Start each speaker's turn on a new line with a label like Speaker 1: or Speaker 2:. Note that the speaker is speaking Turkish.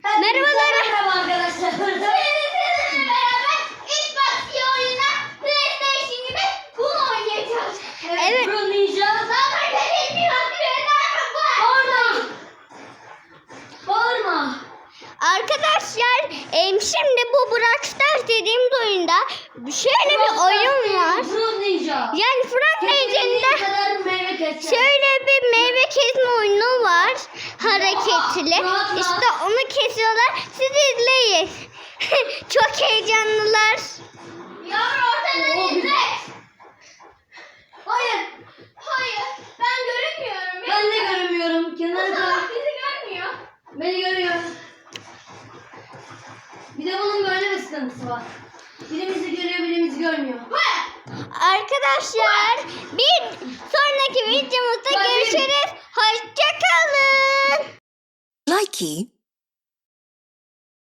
Speaker 1: Merhabalar.
Speaker 2: Merhaba arkadaşlar.
Speaker 3: Sizinle beraber Xbox oyununa PlayStation gibi bunu oynayacağız.
Speaker 1: Evet.
Speaker 2: Pro Ninja.
Speaker 3: Zaten dediğim bir vakti
Speaker 2: Bağırma. Bağırma.
Speaker 1: Arkadaşlar şimdi bu Brawl Stars dediğimiz oyunda şöyle bir oyun var.
Speaker 2: Pro Ninja.
Speaker 1: Yani Frank
Speaker 2: Kesinlikle
Speaker 1: Legend'de
Speaker 2: kadar meyve keseceğiz.
Speaker 1: şöyle bir meyve kesme oyunu var. Hareketli.
Speaker 2: rahat.
Speaker 1: İşte onu kesiyorlar. Siz izleyin. Çok heyecanlılar.
Speaker 3: Yavru ortadan izle.
Speaker 2: Hayır.
Speaker 3: Hayır. Ben görünmüyorum.
Speaker 2: Ben de göremiyorum. Kenara
Speaker 3: Allah
Speaker 2: koy.
Speaker 3: bizi görmüyor.
Speaker 2: Beni görüyor. Bir de bunun böyle bir sıkıntısı var. Birimizi görüyor, birimizi görmüyor.
Speaker 1: Arkadaşlar bir sonraki videomuzda görüşürüz. Hoşçakalın.
Speaker 4: Likey